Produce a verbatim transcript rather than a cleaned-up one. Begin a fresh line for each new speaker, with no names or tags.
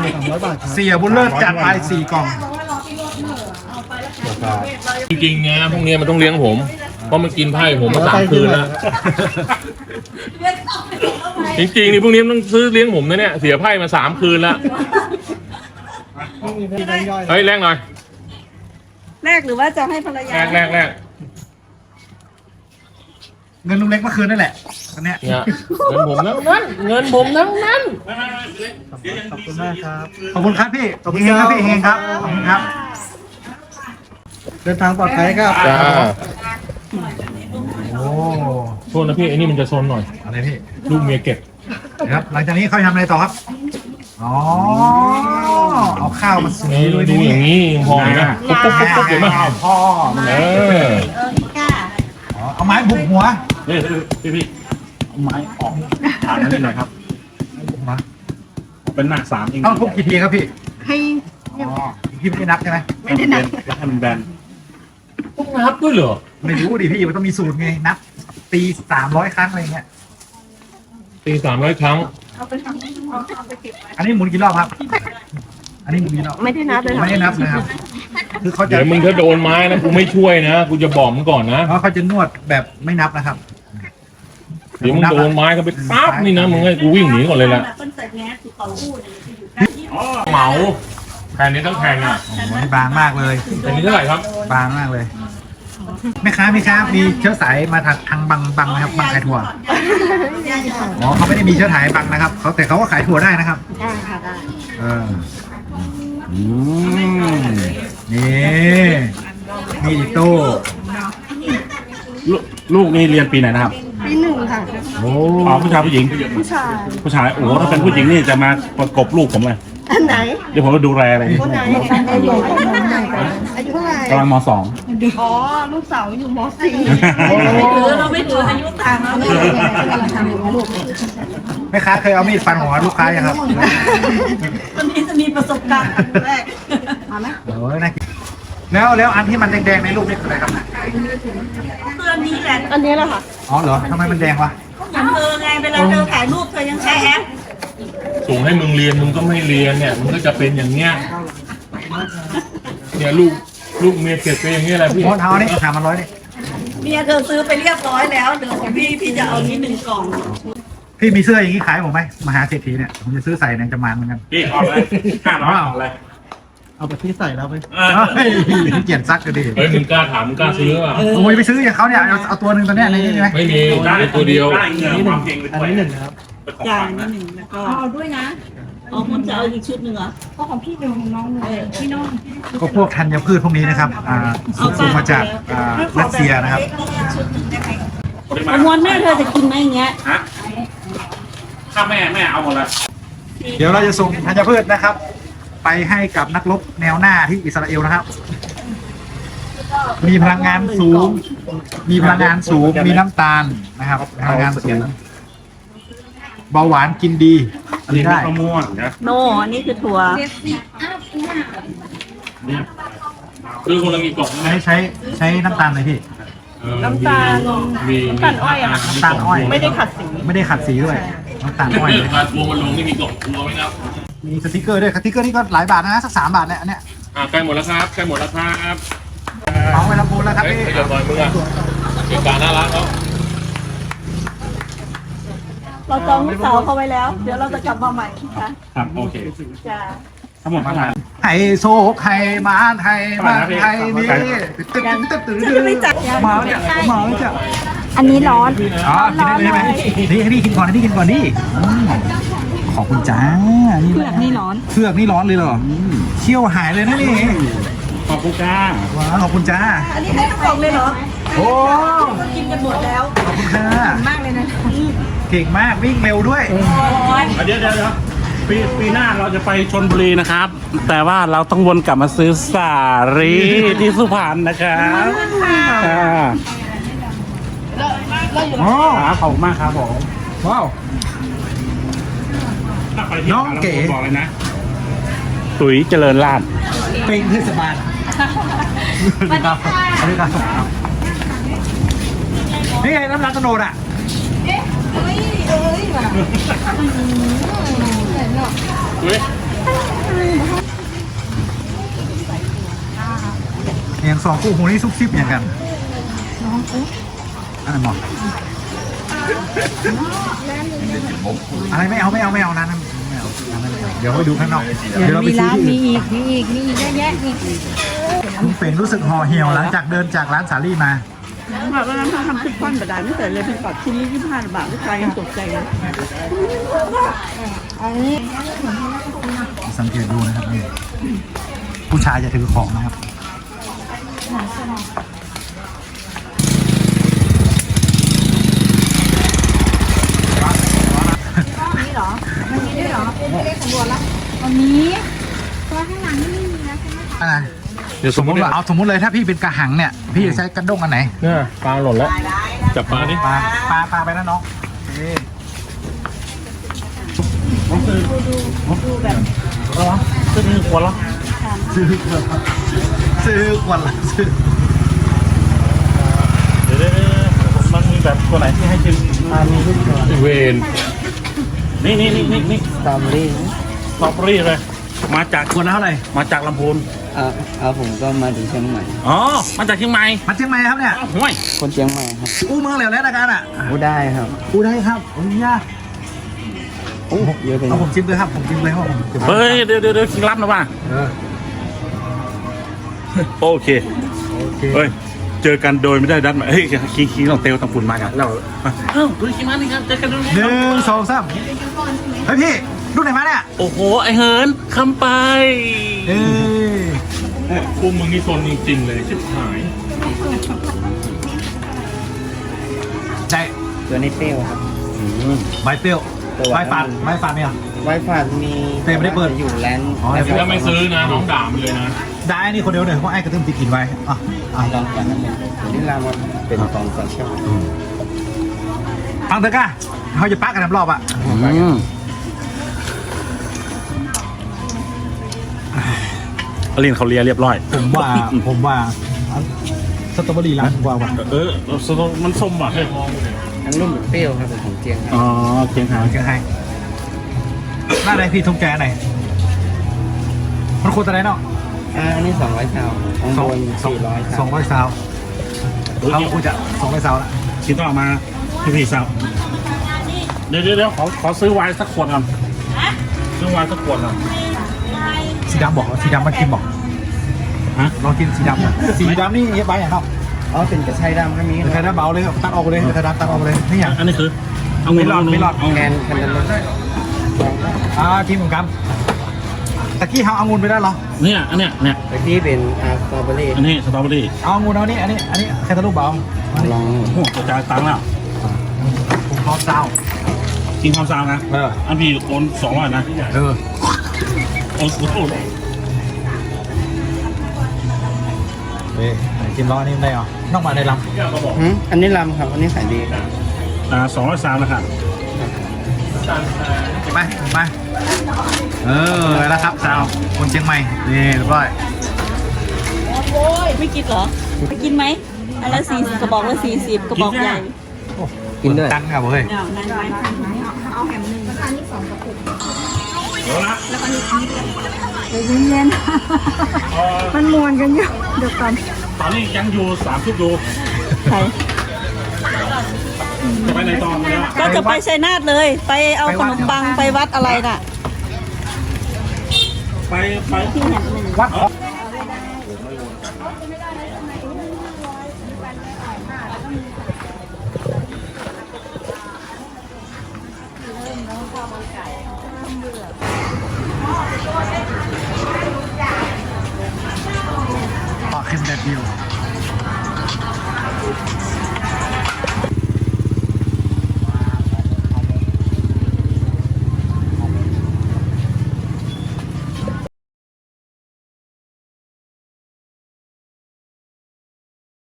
เสียบุญเลิศจัดไปสี่กล่อง
จริงๆนะพวกนี้มันต้องเลี้ยงผมเพราะมันกินไพ่ผมมาสามคืนแล้วจริงๆนี่พวกนี้มันต้องซื้อเลี้ยงผมนะเนี่ยเสียไพ่มาสามคืนแล้วเฮ้ยแรกหน่อย
แรกหรือว่าจะให้ภรรยา
แรกแรกแรก
เงินลุงเล็กเมื่อคืนนั่นแหละอันเนี้ย
เนี่ยเงินผมทั้งนั้นเงินผมทั้งนั้น
ขอบคุณมากครับขอบคุณครับพี่ขอบคุณครับพี่เฮงครับขอบคุณครับเดินทางปลอดภัยครับ
จ้า
โอ้
โทษนะพี่ไอ้นี่มันจะซนหน่อย
อะไรพี่
ลูกเมียเก็บ
นะครับหลังจากนี้เขาทำอะไรต่อครับอ๋อเอาข้าวมาสี
นี่
ด้วย
ดู
นี่
อย่างนี้ยังพอนะปุ๊บปุ๊บปุ๊บปุ๊บเห็นไหม
พ่อ
เออ
อ๋อเอาไม้บุกหัว
นี่พี่พี่เอาไม้ออกฐานนั้นนิดหน่อยครับ
มา
เป็นหน้าสามเอง
ต้องทุบกี่ทีครับพี่
ให้
อ๋อพี่ไม่ได้นับใช่ไหม
ไม่ได้นับให้มันแบน
ต้องนับด้วยเหรอ
ไม่รู้ดิพี่มันต้องมีสูตรไงนับตีสามร้อยครั้งอะไรเงี้ย
ตีสามร้อยครั้ง
อันนี้หมุนกี่รอบครับ อันนี้หมุนกี่รอบ
ไม่ได้นับเลย
ไม่ได้นับนะครับ คือเขาจะ
เดี๋ยวมึงถ้าโดนไม้นะกูไม่ช่วยนะกูจะบอกมึงก่อนนะ
เพราะเขาจะนวดแบบไม่นับนะครับ
เดี๋ยวมึงโดนไม้เขาไปปั๊บนี่นะมึงให้กูวิ่งหนีก่อนเลยล่ะเหมาแผ่นนี้ต้องแผ่นอ่ะ
โอ้โหนี่บางมากเลย
แผ่นนี้เท่าไหร่ครับ
บางมากเลยแม่ค้าแม่ค้ามีเชื้อสายมาทางทางบังบังนะครับบังขายถั่วอ๋อเขาไม่ได้มีเชื้อสายบังนะครับเขาแต่เขาก็ขายถั่วได้นะครับ
ได้ค่ะได้
เอออืมนี่มีดิโต้
ลูกลูกนี่เรียนปีไหนนะครับ
ปีหนึ่งค่ะ
โอ้
อ๋อผู้ชายผู้หญิง
ผู้ชาย
ผู้ชายโอ้โหถ้าเป็นผู้หญิงนี่จะมาประกบลูกผมเลย
อันไหน
เดี๋ยวผมจะดูแลอะไร
คนไหนอายุเท่าไหร่อายุเท่าไหร่
กำลังมสอง
อ๋อลูกสาวอยู่มสี่
เราไม่ถืออายุต่างเราไม่ถือ
แม่ค้าเคยเอามีดฟันหัวลูกค้ายังครับ
คนนี้จะมีประสบการณ์แรก
โอ้ยน่ากินแล้วแล้วอันที่มันแดงๆในรูปนี่คืออะไรครับเนี่ย
เพื่อนนี้แหละ
อันนี้แหละค่ะ
อ๋อเหรอทำไมมันแดงวะ
เหมือนเธอไงเวลาเธอถ่ายรูปเธอยังใช้แอป
ส่งให้มึงเรียนมึงก็ไม่เรียนเนี่ยมึงก็จะเป็นอย่างเงี้ยเนี่ยลูกลูกเมียเก็บไปอย่างเงี้ยแหละพี่
โอนเอานี่สามพันร้อยนี่
เมียเธอซื้อไปเรียบร้อยแล้วเดี๋ยวของพี่พี่จะเอานี้หนึ่งกล่อง
พี่มีเสื้ออย่างนี้ขายผมไหมมหาเศรษฐีเนี่ยผมจะซื้อใส่ในจำมานเหมือนกัน
พี่ออกเลยห้าร้อยออกเลย
เอาไปที่ใส่แล้วไปเฮ้ยเกียนซักก็ดี
เฮ้ยมึงกล้าถามมึงกล้าซื้อป่ะ
โอ้ยไปซื้ออย่างเขาเนี่ยเอาเอาตัวหนึ่งตัวเนี้ยในนี้ได้ไหม
ไม่มีมีตัวเดียว
ได้เงินความจริงเลยด้วย
จ่ายนิดหนึ่งแล้วก็เอาด้วยนะอ๋อมันจะเอาอีกชุดหนึ่งเหรอเพราะของพี่เดียวของน้องเลยพี่น้อง
ก็พวกธัญพืชพวกนี้นะครับอ่าส่งมาจากอ่ารัสเซียนะครับ
ชุดหนึ่งได้ไหมมวนแม่เธอจะกินไหมอย่างเงี้ย
ฮะถ้าแม่แม่เอาหมดเลย
เดี๋ยวเราจะส่งธัญพืชนะครับ ไปให้กับนักรบแนวหน้าที่อิสราเอลนะครับ มีพลังงานสูง มีพลังงานสูง มีน้ำตาลนะครับพลังงานสูงเบาหวานกินดี
อันนี้
ได้
มะม่วงนะ
โนอันนี้คือถั่ว
คือคนละกี่กล่อง
ใช้ใช้ใช้น้ำตาลเลยพี่
น้ำตาลมี
น้ำตาลอ้อยอะค่ะ
น้ำตาลอ้อย
ไม่ได้ขัดสี
ไม่ได้ขัดสีด้วยน้ำตาลอ้อย
เรื่องการทัวร์มันลงนี่มีกล่องทัวร์ไหมครับ
มีสติกเกอร์ด้วยสติกเกอร์นี่ก็หลายบาทนะสักสามบาทเนี่ยอันเนี้ย
อ่าใกล้หมดแล้วครับใกล้หมดแล้วครับ
น้องไปลำพูนแล้วครับ
เฮ้ย
พี่
ขยับหน่อยมึงอะเหตุการณ์น่ารักเขา
เราจองลูกสาวเขาไว้แล้ว เดี๋ยวเราจะกลับมาใหม่นะคะ
ครับโอเค
จ้า
ทั้งหมดเท่าไหร่
ไทยโซไทยมาไทยมาไทยนี่ตึ๊ดตึ๊ดตึ๊ดตึ๊ดตึ๊ดมาเนี่ยมาเนี่ย
อันนี้ร้อน
อ๋อกินได้เลยใช่ไหมนี่ให้พี่กินก่อนให้พี่กินก่อนดิอืมขอบคุณจ้านี่
เผือกนี่ร้อน
เผือกนี่ร้อนเลยเหรอเชี่ยวหายเลยนะนี่
ขอบคุณจ้า
ว้าวขอบคุณจ้า
อันนี้ให้ทั้งกล่องเลยเหรอ
โอ้
กินกันหมดแล้ว
ขอบคุณค่ะ
มากเลยนะ
เก่งมากวิ่งเร็วด้วย
เดี๋ยวเดี๋ยวเดี๋ยวปีปีหน้าเราจะไปชนบุรีนะครับ แต่ว่าเราต้องวนกลับมาซื้อสาลีที่สุพรรณนะครับอ่า
อ๋อ
ครับขอบคุณมากครับผม
ว้าว
ถ้าไปที่
น้องเก๋
บอกเลยนะตุ๋ยเจริญราษฎร์
เป็นเทศบาลสวัสดีครับสวัสดีครับนี่ไงน้ำรักกระโดดอ่ะ
เฮ้ย
อย่างสองคู่หูนี่ซุบซิบอย่างกันอะไรหมออะไรไม่เอาไม่เอาไม่เอานะนั่นไม่เอาอันนั้นไม่เอาเดี๋ยวไปดูข้างนอกเดี๋ยวเราไป
มี
ซื้อ
ร้าน
ที่
มี
อื่น
อีกมีอีกมีอีกเยอะแยะอีก
คุณเป่งรู้สึกห่อเหี่ยวหลังจากเดินจากร้านสาลี่มา
แบบว่าเราทำทุกคนแบบได้ไม่เสร็จเลยเป็นปัดชิ้นนี้ยี่สิบห้าบาทลูกค้ายังตกใจเลย
อันนี้
สังเกตดูนะครับนี่ผู้ชายจะถือของนะครับ
นี่เหรอมันมีด้วยเหรอไม่ได้สำรวจละวันนี้ตัวข้างหลังนี่ไม่มีนะใช่ไหม
อะไร
เดี๋ยว
สมมติว่าเอาสมมติเลยถ้าพี่เป็นกระหังเนี่ยพี่จะใช้กระด้งอันไหน
เนี่ยปลาหล่นแล้วจับปลาดิ
ปลาปลาปลาไปนะน้องนี่
ดูแบบ
อ๋อซื้อหนึ่งขวดแล้ว
ซื้อขวดละซื้อขวดละซื้อ
เดี๋ยวเดี๋ยวเดี๋ยวมันมีแบบตัวไหนที่ให้ชิมอ่ามีทุกตัว
เวน
นี่นี่นี่นี่นี่
สตรอเบอรี่
สตรอเบอรี่เลย มาจาก
ขวดละเท่าไหร่
มาจากลำพูน
อ่าเอาผมก็มาถึงเชียงใหม่
อ๋อมาจากเชียงใหม่
มาเชียงใหม่ครับเนี่ย
อ้าวห่วย
คนเชียงใหม่ครับ
อู้เมืองเหลวแล้วนะกันอ่ะ
พูดได้ครับ
อู้ได้ครับโอ้ยยาก
โอ้เยอะไปหน่
เอา
อย
ผมชิมเลยครับผมชิมเลยครับผม
เฮ้ยเดี๋ยวเดี๋ยวเดี๋ยวคิงรับนะว่า
เออ
โอเค
โอเค
เฮ้ยเจอกันโดยไม่ได้ดัดหมายเฮ้ยคิงคิงต้องเตลต้องฝุ่นมากันเราเอ้าดูคิงมานี่ครับเจอกันโดย
หนึ่งสองสามเฮ้ยพี่ลูกไหนมาเนี่ย
โอ้โหไอเหินคำไป
เอ้ย
พวกมึงนี่ซนจริงๆเลยชิบหาย
ใจ
ตัวนี้เปรี้ยวครับ
ใบเปรี้ยวใบฝาดใบฝาดเนี่ย
ไวฝาดมี
แต่ไม่ได้เปิด
อยู่แลนด์
อ๋อ
ถ้าไม่ซื้อนะน้องด่ามันเลยนะ
ได้นี่คนเดียวเลยเพราะไอ้กระตุ้มติดกินไว้อ่ะอ่ะ
ลองกันนั่นเองตัวนี้รามอนเป็นกองสเชียล
ฟังเถอะก้าเขาจะปักกันน้ำรอบอ่ะ
อืมอลินเขาเลียเรียบร้อย
ผมว่าผมว่าสตรอเบอรี่ร้านผมว่าว่ะ
เออสตรอมันส้มว่ะ
ทั้งรุ่มเปรี้ยวครับเป็นของเจียงครับ
อ๋อเกียงหาง
เชียงไฮ้หน้าไหนพี่ทุ่งแกไหนมันควรจะไหนเนาะ
อ่าอันนี้สองร้อยซาวข้าง
สอง
บน
สอง
สี่ร้อย
สองร้อยซาวเขาควรจะสองร้อยซาวละ
คิดต้องเอามาพี่พี่สาวเดี๋ยวเดี๋ยวเดี๋ยวขอขอซื้อไวน์สักขวดก่อนซื้อไวน์สักขวดก่อน
สีดำบอกสีดำมากินบอก
ฮะ
ลองกินสีดำนะสีดำนี่เย็บใบอย่างเนาะ
อ๋อเป็นกระชายดำก็มี
เดี๋ยวใครได้เบาเลยตัดออกไปเลยเดี๋ยวใครได้ตัดออกไปเลยนี่อย่าง
อันนี้คือเอา
ไม่รอดไม่รอด
เอา
แคนแคนตาลูป
อ่ากินเหมือนกันตะกี้เขาเอางูนไปได้เหรอ
เนี่ยอันเนี้ยเนี่ย
แต่ที่เป็นอ่าสตรอเบอรี่
อันนี้สตรอเบอรี่
เอางูนเอานี่อันนี้อันนี้แค่ตะลุกเบา
ลอง
โอ้โหกระจายตังค์แล้ว
ผมพร้อมเจ้า
กินความซาวนะ
เออ
อันพี่โอนสองร้อยนะ
เออ
โอนโอน
เฮ้ยกินร้อนนี่ได้เหรอน้องมาในล
หืมอันนี้ลำครับ อันนี้ขายดีครับ
อ่าสองร้อยสามนะครับ
ำกินไหมกินไหมเออแล้วครับสาวคนเชียงใหม่นี่เรียบร้อย
โอ้ยไม่กินเหรอไปกินไหมอันละสี่กระบอกละสี่สิบกระบอกใหญ่
กินด้วย
ตังค์ครับเฮ้ย
เนี่ยนั่นไหม
เดี๋ยวนะ
เดี๋ยวเย็นๆมันมวนกันอยู่เดี๋ยวก่อน
ตอนนี้ยังอยู่สามชุดอยู่
ใคร
จะไปในตอนมาแล้ว
ก็จะไปชัยนาทเลย ไปเอาขนมปังไปวัดอะไรน่ะ
ไปไป
ที่แห่งหนึ่ง
วัด